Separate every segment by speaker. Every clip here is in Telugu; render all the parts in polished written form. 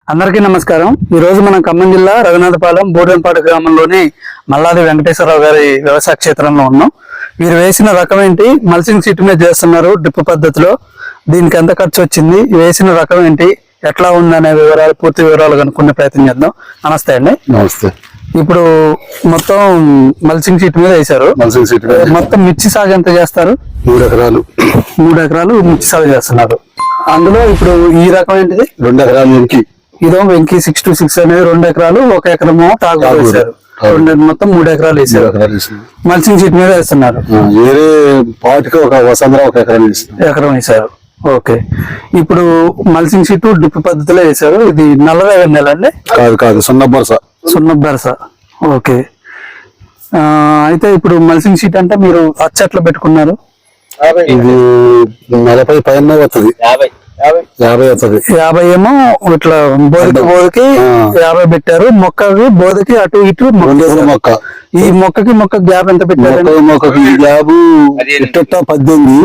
Speaker 1: అందరికీ నమస్కారం. ఈ రోజు మనం ఖమ్మం జిల్లా రఘునాథపాలెం బోడెంపాడు గ్రామంలోని మల్లాది వెంకటేశ్వరరావు గారి వ్యవసాయ క్షేత్రంలో ఉన్నాం. వీరు వేసిన రకం ఏంటి? మల్చింగ్ సీట్ మీద చేస్తున్నారు డ్రిప్ పద్ధతిలో. దీనికి ఎంత ఖర్చు వచ్చింది, వేసిన రకం ఏంటి, ఎట్లా ఉందనే వివరాలు, పూర్తి వివరాలు కనుక్కునే ప్రయత్నం చేద్దాం. నమస్తే అండి.
Speaker 2: నమస్తే.
Speaker 1: ఇప్పుడు మొత్తం మల్చింగ్ సీట్ మీద వేశారు. మొత్తం మిర్చి సాగు ఎంత చేస్తారు?
Speaker 2: 3 ఎకరాలు.
Speaker 1: 3 ఎకరాలు మిర్చి సాగు చేస్తున్నారు. అందులో ఇప్పుడు ఈ రకం ఏంటిది?
Speaker 2: 2 ఎకరాలు వెంకి.
Speaker 1: ఇదో వెంకి 626 అనేది 2 ఎకరాలు, 1 ఎకరము టాగు వేశారు. మొత్తం 3 ఎకరాలు వేసారు. మల్చింగ్ సీట్ మీద వేస్తున్నారు.
Speaker 2: వేరే పాటికి ఒక వసంతరం 1
Speaker 1: ఎకరం వేశారు. ఓకే. ఇప్పుడు మల్చింగ్ షీట్ డ్రిప్ పద్ధతిలో వేశారు. ఇది నల్లరేగడి నెల అండి?
Speaker 2: కాదు,
Speaker 1: సున్నబరస. ఓకే. అయితే ఇప్పుడు మల్చింగ్ షీట్ అంటే మీరు అచ్చట్లు పెట్టుకున్నారు.
Speaker 2: ఇది 40 పైన వస్తుంది. 50 వస్తుంది.
Speaker 1: 50 ఏమో ఇట్లా బోధకి 50 పెట్టారు. మొక్కకి బోధకి అటు ఇటు
Speaker 2: మొక్క.
Speaker 1: ఈ మొక్కకి మొక్క గ్యాప్ ఎంత పెట్టారు?
Speaker 2: మొక్కకి గ్యాప్ 18,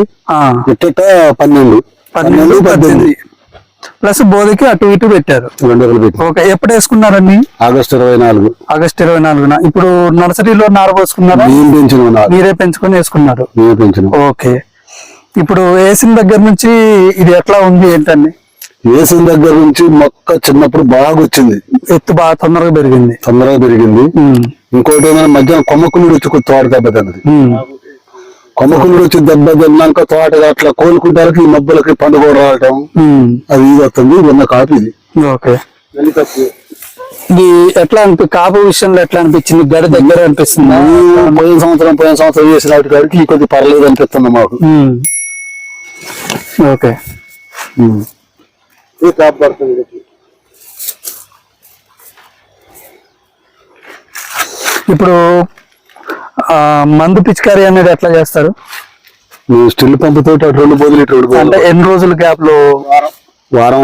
Speaker 2: 12
Speaker 1: ప్లస్ బోధకి అటు ఇటు పెట్టారు.
Speaker 2: 2 ఎకరాలు పెట్టి.
Speaker 1: ఓకే. ఎప్పుడు వేసుకున్నారండి?
Speaker 2: ఆగస్టు 24.
Speaker 1: ఇప్పుడు నర్సరీలో నార పోసుకున్నారా? మీరే పెంచుకొని వేసుకున్నారు. ఓకే. ఇప్పుడు వేసిన దగ్గర నుంచి ఇది ఎట్లా ఉంది ఏంటండి?
Speaker 2: వేసిన దగ్గర నుంచి మొక్క చిన్నప్పుడు బాగా వచ్చింది,
Speaker 1: ఎత్తు బాగా తొందరగా పెరిగింది.
Speaker 2: ఇంకోటి ఏమైనా మధ్యాహ్నం కొమ్మకునుడు వచ్చి తోట దెబ్బ తిన్నది. కొమ్మకునుడు వచ్చి దెబ్బ తిన్నాక తోట అట్లా కోలుకుంటానికి ఈ మబ్బులకి పండుగ రావటం అది ఇది వస్తుంది. ఉన్న కాపు ఇది.
Speaker 1: ఓకే. ఇది ఎట్లా కాపు విషయంలో ఎట్లా అనిపించింది? గడి దగ్గర అనిపిస్తుంది.
Speaker 2: పోయిన సంవత్సరం వేసిన వాటి కాడికి ఈ కొద్ది పర్లేదు అనిపిస్తుంది మాకు.
Speaker 1: ఓకే. ఇప్పుడు మందు పిచికారీ అనేది ఎట్లా చేస్తారు?
Speaker 2: స్టిల్ పంపుతో 2 బోధులు
Speaker 1: అంటే ఎన్ని రోజుల గ్యాప్ లో?
Speaker 2: వారం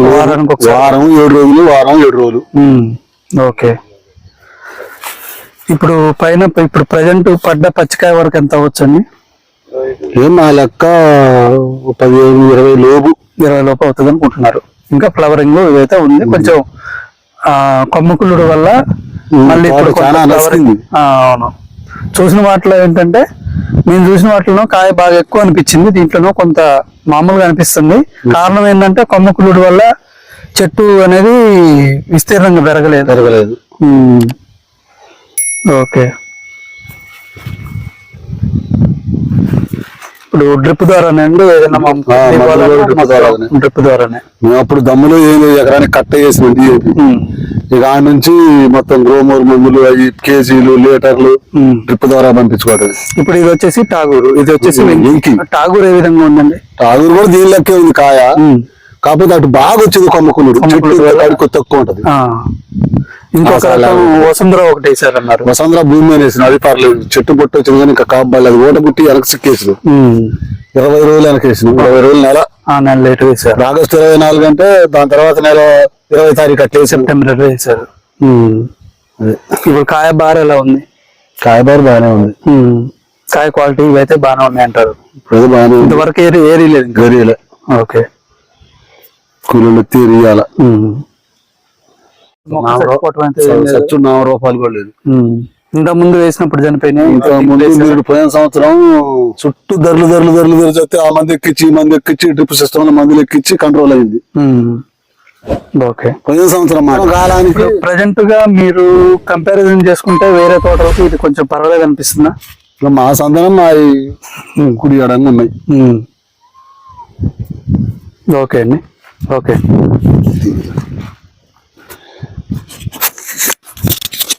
Speaker 2: 7 రోజులు.
Speaker 1: ఓకే. ఇప్పుడు పైన ఇప్పుడు ప్రజెంట్ పడ్డ పచ్చికాయ వరకు ఎంత అవ్వచ్చండి?
Speaker 2: ఏం నా లెక్క 15-20
Speaker 1: లోపు అవుతుంది అనుకుంటున్నారు. ఇంకా ఫ్లవరింగ్ ఇదైతే ఉంది. కొంచెం కొమ్మకులుడు వల్ల మళ్ళీ అవును. చూసిన వాటిలో ఏంటంటే, నేను చూసిన వాటిలో కాయ బాగా ఎక్కువ అనిపించింది. దీంట్లోనూ కొంత మామూలుగా అనిపిస్తుంది. కారణం ఏంటంటే కొమ్మకులుడు వల్ల చెట్టు అనేది విస్తీర్ణంగా పెరగలేదు. ఓకే. ఇప్పుడు డ్రిప్ ద్వారానే అండి ఏదైనా? డ్రిప్ ద్వారానే.
Speaker 2: మేము అప్పుడు దమ్ములు ఎకరానికి కట్ట చేసినాం. ఇక ఆ నుంచి మొత్తం గ్రోమోర్ మందులు, అవి కేజీలు, లీటర్లు డ్రిప్ ద్వారా పంపించుకోవటం.
Speaker 1: ఇప్పుడు ఇది వచ్చేసి టాగూరు, ఇది వచ్చేసి వెంకి. టాగూరు ఏ విధంగా ఉందండి?
Speaker 2: టాగూరు కూడా దీని లెక్కే ఉంది కాయ. కాకపోతే అటు బాగా వచ్చింది కొమ్మకునుడు, తక్కువ ఉంటది.
Speaker 1: ఇంకొక వసుంధర ఒకటి వేసారన్నారు.
Speaker 2: వసుంధర భూమి మీద వేసిన, అది పర్లేదు. చెట్టు పొట్టు వచ్చింది కానీ ఇంకా కాపాలి. అది ఓట పుట్టి వెనక సిక్కేసిన 20 రోజులు వెనకేసిన. 20 రోజులు నెల
Speaker 1: లేట్ వేసారు.
Speaker 2: ఆగస్టు 24 అంటే దాని తర్వాత నెల 20 తారీఖు అట్లే
Speaker 1: సెప్టెంబర్ వేసారు. ఇప్పుడు కాయ బార్ ఎలా ఉంది?
Speaker 2: కాయ బార్ బాగానే ఉంది.
Speaker 1: కాయ క్వాలిటీ ఇవైతే బాగానే ఉన్నాయి అంటారు.
Speaker 2: ఇప్పుడు బాగానే ఉంది.
Speaker 1: ఇంతవరకు ఏరియలేదు. ఓకే.
Speaker 2: కూలీలు తీరియాల రూపాయలు కూడా లేదు.
Speaker 1: ఇంత ముందు వేసినప్పుడు చనిపోయినాయి.
Speaker 2: పోయిన సంవత్సరం చుట్టూ ధరలు చెప్తే ఆ మంది ఎక్కించి డ్రిప్ సిస్టమ్ లో మందులు ఎక్కించి కంట్రోల్ అయింది.
Speaker 1: ఓకే.
Speaker 2: పోయిన సంవత్సరం కాలానికి
Speaker 1: ప్రజెంట్ గా మీరు కంపారిజన్ చేసుకుంటే వేరే తోటలకు ఇది కొంచెం పర్వాలేదు అనిపిస్తుందా?
Speaker 2: మా సంతానం మా కుడి అడంగా ఉన్నాయి.
Speaker 1: ఓకే అండి. ఓకే.